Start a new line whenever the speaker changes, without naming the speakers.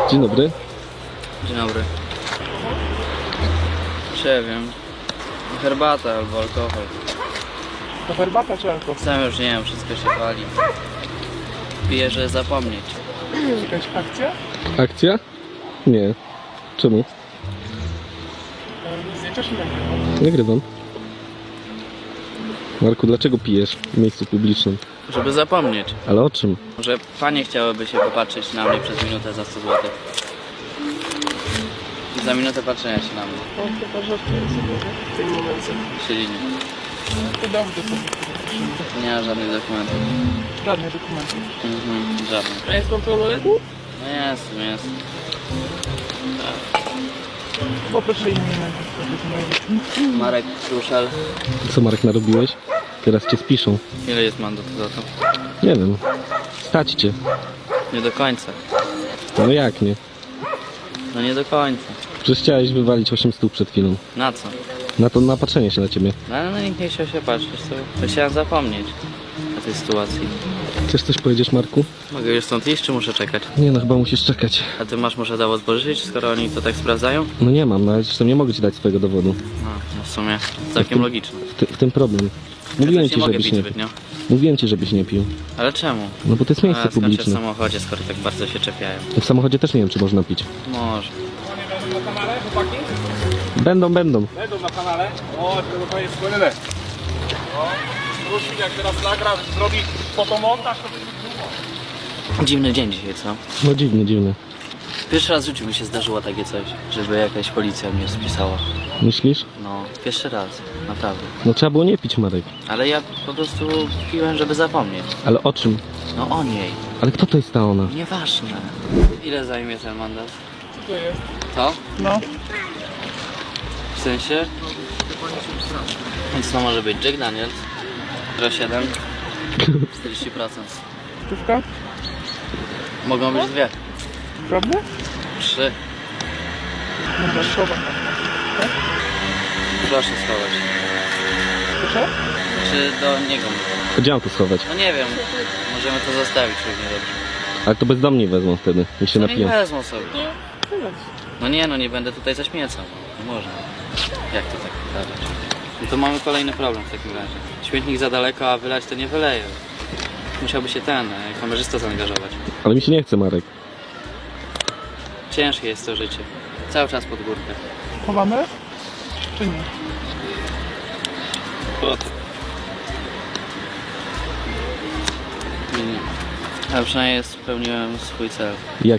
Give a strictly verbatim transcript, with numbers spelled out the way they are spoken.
Dzień dobry.
Dzień dobry. Nie wiem. Herbata albo alkohol.
To herbata czy alkohol?
Sam już nie wiem, wszystko się wali. Piję, żeby zapomnieć.
Jakaś akcja?
Akcja? Nie. Czemu?
Zdjęcia czy nagrywam?
Nagrywam. Marku, dlaczego pijesz w miejscu publicznym?
Żeby zapomnieć.
Ale o czym?
Może panie chciałyby się popatrzeć na mnie przez minutę za sto złotych. I za minutę patrzenia się na mnie.
No chyba żartuję sobie, nie? W tym momencie.
Siedzimy.
To dobrze sobie.
Nie ma żadnych dokumentów.
Żadnych dokumentów.
Mhm, żadnych.
A jest pan pełnoletni?
No jest, jest.
Poproszę imię.
Marek Kruszel.
Co, Marek, narobiłeś? Teraz cię spiszą.
Ile jest mandat za to?
Nie wiem. Stać cię.
Nie do końca.
No jak nie?
No nie do końca.
Przecież chciałeś wywalić osiem stóp przed chwilą.
Na co?
Na to napatrzenie się na ciebie.
No ale no nikt nie chciał się patrzeć, to chciałem zapomnieć o tej sytuacji.
Chcesz coś powiedzieć, Marku?
Mogę już stąd iść, czy muszę czekać?
Nie no, chyba musisz czekać.
A ty masz może dowód pożyczyć, skoro oni to tak sprawdzają?
No nie mam, no ale zresztą nie mogę ci dać swojego dowodu.
No, no w sumie całkiem logiczne.
W, ty, w tym problem. Mówiłem
Ja też
ci,
nie mogę
żebyś
pić
nie
zbytnio.
Mówiłem ci, żebyś nie pił.
Ale czemu?
No bo to jest miejsce
A, skończę w
publiczne.
samochodzie, skoro tak bardzo się czepiają.
W samochodzie też nie wiem, czy można pić.
Może.
Oni będą na kanale, chłopaki?
Będą, będą.
Będą na kanale. O, to chyba jest płynne. O, Rusin jak teraz nagra, zrobi fotomontaż, to będzie grubo.
Dziwny dzień dzisiaj, co?
No dziwny, dziwny.
Pierwszy raz w życiu mi się zdarzyło takie coś, żeby jakaś policja mnie spisała.
Myślisz?
No, pierwszy raz, naprawdę.
No trzeba było nie pić, Marek.
Ale ja po prostu piłem, żeby zapomnieć.
Ale o czym?
No o niej.
Ale kto to jest ta ona?
Nieważne. Ile zajmie ten mandat?
Co to jest?
To?
No.
W sensie? Więc to może być Jack Daniels zero siedem czterdzieści procent.
Stówka?
Mogą być dwie.
Prawda?
Trzy.
Dobra, szowa.
Proszę schować.
Proszę?
Czy do niego mówię?
Gdzie mam to schować?
No nie wiem. Możemy to zostawić równie dobrze.
Ale to bezdomni wezmą wtedy, jak się
No nie
napiją.
wezmą sobie.
Tyle.
No nie, no nie będę tutaj zaśmiecał. Nie można. Jak to tak wydawać? No to mamy kolejny problem w takim razie. Śmietnik za daleko, a wylać to nie wyleje. Musiałby się ten, e, kamerzysta zaangażować.
Ale mi się nie chce, Marek.
Ciężkie jest to życie. Cały czas pod górkę.
Chowamy? Czy nie?
Nie, nie. Ale przynajmniej spełniłem swój cel.
Jak